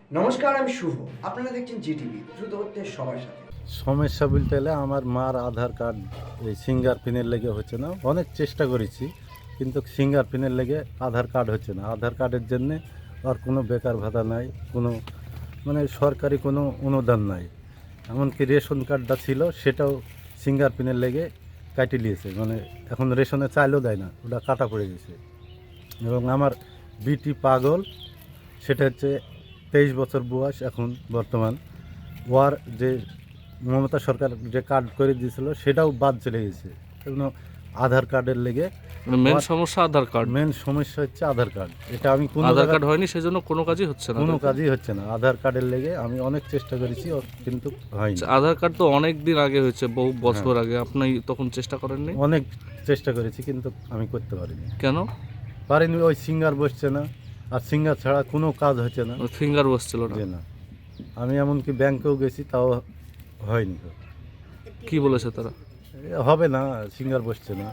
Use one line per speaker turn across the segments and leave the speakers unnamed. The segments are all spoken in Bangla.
নমস্কার, আমি শুভ। আপনারা দেখছেন জিটিভি, দ্রুত হচ্ছে সবার সাথে।
সমস্যা বলতে গেলে আমার মার আধার কার্ড এই ফিঙ্গারপ্রিন্টের লেগে হচ্ছে না। অনেক চেষ্টা করেছি কিন্তু ফিঙ্গারপ্রিন্টের লেগে আধার কার্ড হচ্ছে না। আধার কার্ডের জন্যে আর কোনো বেকার ভাতা নাই, কোনো মানে সরকারি কোনো অনুদান নাই। এমনকি রেশন কার্ডটা ছিল সেটাও ফিঙ্গারপ্রিন্টের লেগে কাটি নিয়েছে, মানে এখন রেশনে চাইলেও দেয় না, ওটা কাটা পড়ে গেছে। এবং আমার বিটি পাগল, সেটা হচ্ছে 23 বছর বয়স এখন বর্তমান। ওয়ার যে মমতা সরকার যে কার্ড করে দিয়েছিল সেটাও বাদ চলে গেছে। এজন্য আধার কার্ডের লেগে
মেন সমস্যা আধার কার্ড।
মেন সমস্যা হচ্ছে আধার কার্ড। এটা আমি কোনো
আধার
জায়গায়
কার্ড হয়নি সেজন্য কোনো কাজই হচ্ছে না।
কোনো কাজই হচ্ছে না। আধার কার্ডের লেগে আমি অনেক চেষ্টা করেছি কিন্তু হয়নি।
আচ্ছা, আধার কার্ড তো অনেক দিন আগে হয়েছে, বহু বছর আগে। আপনি তখন চেষ্টা করেননি
অনেক চেষ্টা করেছি কিন্তু আমি করতে পারিনি।
কেন?
পারিনি, ওই সিঙ্গার বসছে না, আর সিঙ্গার ছাড়া কোনো কাজ হচ্ছে না।
ফিঙ্গার বসছিল না।
যে না, আমি এমনকি ব্যাংকেও গেছি, তাও হয়নি।
কি বলেছে তারা?
হবে না, সিঙ্গার বসছে না,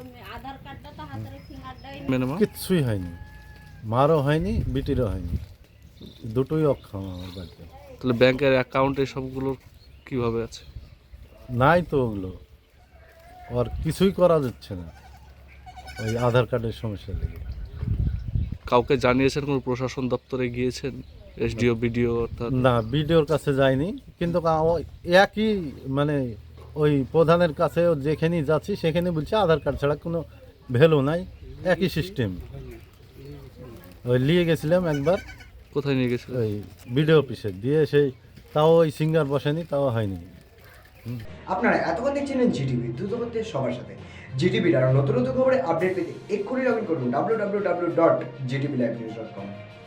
মিনিমাম
কিচ্ছুই হয়নি। মারও হয়নি, বিটিরও হয়নি, দুটোই অক্ষম আমার বাড়িতে।
তাহলে ব্যাংকের অ্যাকাউন্টে সবগুলো কিভাবে আছে?
নাই তো ওগুলো, আর কিছুই করা যাচ্ছে না ওই আধার কার্ডের সমস্যা লেগে।
কাউকে জানিয়েছেন? কোনো প্রশাসন দপ্তরে গিয়েছেন? SDO, BDO? অর্থাৎ
না, বিডিওর কাছে যায়নি, কিন্তু একই মানে ওই প্রধানের কাছেও যেখানেই যাচ্ছি সেখানে বলছে আধার কার্ড ছাড়া কোনো ভ্যালু নাই, একই সিস্টেম। ওই নিয়ে গেছিলাম একবার
কোথায় নিয়ে গেছিল?
ওই বিডিও অফিসে, দিয়ে সেই তাও ওই সিঙ্গার বসেনি, তাও হয়নি।
আপনারা এতক্ষণ দেখছিলেন জিটিভি, দ্রুত হচ্ছে সবার সাথে। জিটিভির আরও নতুন নতুন খবরে আপডেট পেতে এক্ষুনি লগ ইন করুন www.gtblivenews.com।